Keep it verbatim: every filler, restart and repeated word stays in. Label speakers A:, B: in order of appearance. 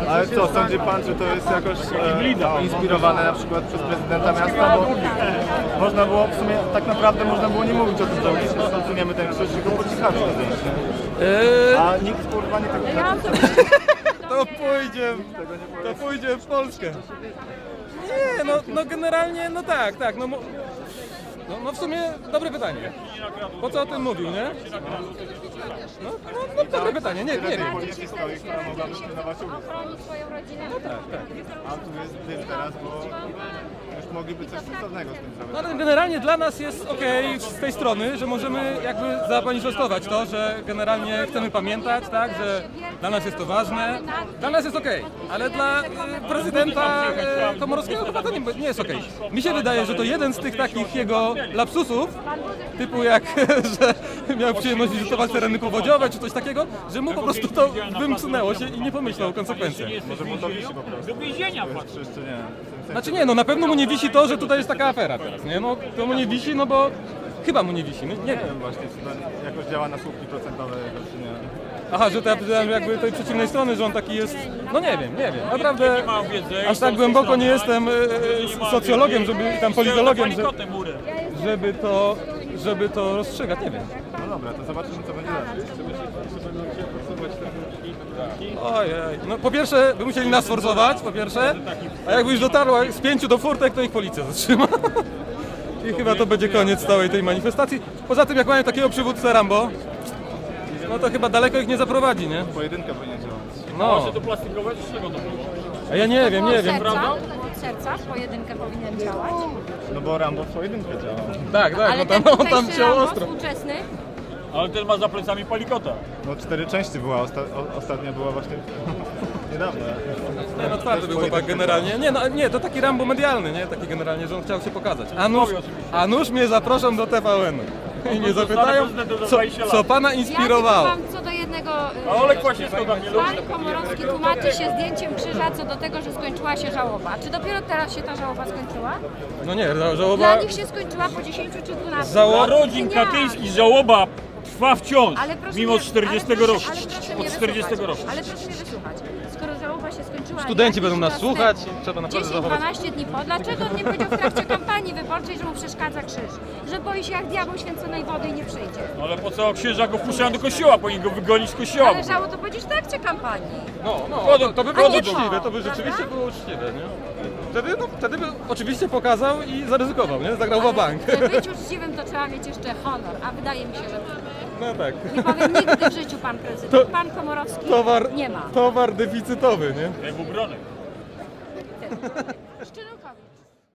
A: Ale co, sądzi pan, że to jest jakoś e, inspirowane na przykład przez prezydenta miasta? Bo można było, w sumie tak naprawdę można było nie mówić o tym, że jeśli zrozumiemy ten krzyż, tylko po cichaczu to zdjęcie.
B: Eee,
A: A nikt kurwa nie tego
C: Ja mam to
B: to pójdzie, to pójdzie w Polskę. Nie, no, no generalnie, no tak, tak, no, mo- no, no w sumie dobre pytanie. Po co o tym mówił, nie? No, no, no dobre pytanie, nie, nie wiem.
A: policji stoi, która mogłaby pilnować ulic.
C: ochronić swoją rodzinę.
B: Tak, tak.
A: A tu jest dym teraz, bo już mogliby coś sensownego z tym zrobić.
B: No ale generalnie dla nas jest okej z tej strony, że możemy jakby zamanifestować to, że generalnie chcemy pamiętać, tak, że dla nas jest to ważne. Dla nas jest okej, ale dla e, prezydenta e, Komorowskiego chyba to nie, nie jest okej. Mi się wydaje, że to jeden z tych takich jego lapsusów, typu jak, że miał przyjemność wizytować tereny powodziowe czy coś takiego, że mu po prostu to wymknęło się i nie pomyślał o konsekwencjach.
A: Może mu to wisi po prostu.
D: Do więzienia
A: To
D: patrz.
A: jest krzyż, czy nie?
B: Znaczy nie, no na pewno mu nie wisi to, że tutaj jest taka afera teraz, nie? No to mu nie wisi, no bo chyba mu nie wisi, no, nie
A: Nie
B: wiem.
A: wiem właśnie, czy to jakoś działa na słupki procentowe, czy nie.
B: Aha, że to ja powiedziałem jakby tej przeciwnej strony, że on taki jest, no nie wiem, nie wiem, naprawdę
D: mam wiedzy,
B: aż tak głęboko nie jestem e, e, socjologiem, żeby, tam politologiem, że,
D: Palikotę murę.
B: żeby to, żeby to rozstrzygać, nie wiem.
A: No dobra, to zobaczymy, co będzie dalej.
B: Ojej, no po pierwsze by musieli nas forsować, po pierwsze, a jakby już dotarło z pięciu do furtek, to ich policja zatrzyma. I chyba to będzie koniec całej tej manifestacji. Poza tym jak mają takiego przywódcę Rambo, no to chyba daleko ich nie zaprowadzi, nie?
A: Pojedynka powinien działać.
B: No,
D: To plastikowe czy czego to było?
B: a ja nie wiem, nie wiem.
C: Serca, od serca w pojedynkę powinien działać.
A: No bo Rambo w pojedynkę działał.
B: Tak, tak,
C: Ale
B: no
C: ten
B: tam, on tam
C: tutejszy
B: ciął
C: Rambo
B: ostro.
C: współczesny,
D: Ale ten ma za plecami palikota.
A: No cztery części była, osta o, ostatnia była właśnie niedawno.
B: Nie, no twardy był chłopak generalnie. Nie, no nie, to taki Rambo medialny, nie? Taki generalnie, że on chciał się pokazać. A nuż, a nuż mnie zaproszą do T V N-u. I mnie zapytają, co, co pana inspirowało.
C: ja tylko wam co do jednego... y,
D: A Olek Łasiński tam nie lubi.
C: Pan Komorowski tłumaczy się zdjęciem krzyża co do tego, że skończyła się żałoba. Czy dopiero teraz się ta żałoba skończyła?
B: No nie, ża- żałoba...
C: Dla nich się skończyła po dziesięciu czy dwunastu.
B: Żało-
D: Narodzin
C: Nie.
D: katyński, żałoba trwa wciąż.
C: Ale proszę
D: Mimo
C: mnie-
D: czterdziestego
C: ale
D: roku.
C: proszę- ale proszę mnie
D: Od czterdziestego roku.
C: wysłuchać. Ale proszę mnie wysłuchać. Skoro żałoba się skończyła...
B: Studenci
C: jakiś
B: będą nas
C: czas
B: słuchać,
C: temu,
B: trzeba naprawdę
C: dziesięć
B: zachować.
C: dwanaście dni po, dlaczego on nie powiedział w trakcie kampanii wyborczej, że mu przeszkadza krzyż? Że boi się jak diabeł święconej wody i nie przyjdzie.
D: Ale po co księża go wpuszczają do kościoła? Powinni go wygonić z kościoła.
C: Ale żało to powiedzieć w trakcie kampanii.
B: No, no,
D: Wchodzą-
B: to, to by
C: A
B: było
C: nie
B: uczciwe,
C: po,
B: to by rzeczywiście
C: prawda?
B: było uczciwe, nie? Wtedy, no, wtedy by oczywiście pokazał i zaryzykował, nie? Zagrał w bank.
C: Żeby być uczciwym, to trzeba mieć jeszcze honor, a wydaje mi się, że
B: No tak.
C: nie powie nigdy w życiu pan prezydent.
B: To-
C: Pan Komorowski
B: Towar,
C: nie ma.
B: towar deficytowy, nie?
D: Jak był Bronek.
C: Szczyrokowicz.